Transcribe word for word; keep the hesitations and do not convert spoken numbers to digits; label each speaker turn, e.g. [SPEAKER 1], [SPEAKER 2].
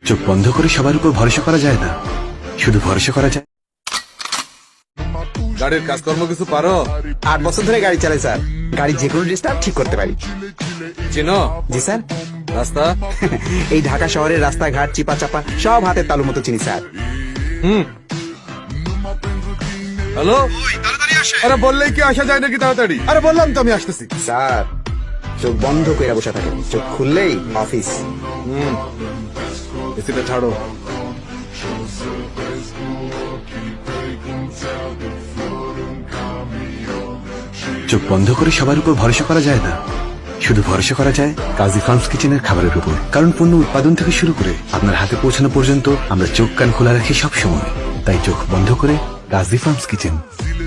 [SPEAKER 1] চোখ বন্ধ করে সবার উপর ভরসা করা যায় না, শুধু ভরসা করা যায়।
[SPEAKER 2] গাড়ির কাজকর্ম কিছু পারো?
[SPEAKER 3] আট বছর ধরে গাড়ি চালাই স্যার। গাড়ি যে কোনো ডিস্টার্ব ঠিক করতে পারি।
[SPEAKER 2] চিনো
[SPEAKER 3] জি স্যার।
[SPEAKER 2] রাস্তা?
[SPEAKER 3] এই ঢাকা শহরের রাস্তাঘাট চিপা চাপা সব হাতের তালু মতো চিনি স্যার।
[SPEAKER 2] হুম। হ্যালো, আরে বললেই কি আসা যায় নাকি তাড়াতাড়ি? আরে বললাম তো আমি আসতেছি।
[SPEAKER 3] স্যার চোখ বন্ধ করে বসে থাকে, চোখ খুললেই অফিস।
[SPEAKER 2] হুম, এসিটা ছাড়ো।
[SPEAKER 1] চোখ বন্ধ করে সবার উপর ভরসা করা যায় না, শুধু ভরসা করা যায় কাজী ফার্মস কিচেনের খাবারের উপর। কারণ পণ্য উৎপাদন থেকে শুরু করে আপনার হাতে পৌঁছানো পর্যন্ত আমরা চোখ কান খোলা রাখি সব সময়। তাই চোখ বন্ধ করে কাজী ফার্মস কিচেন।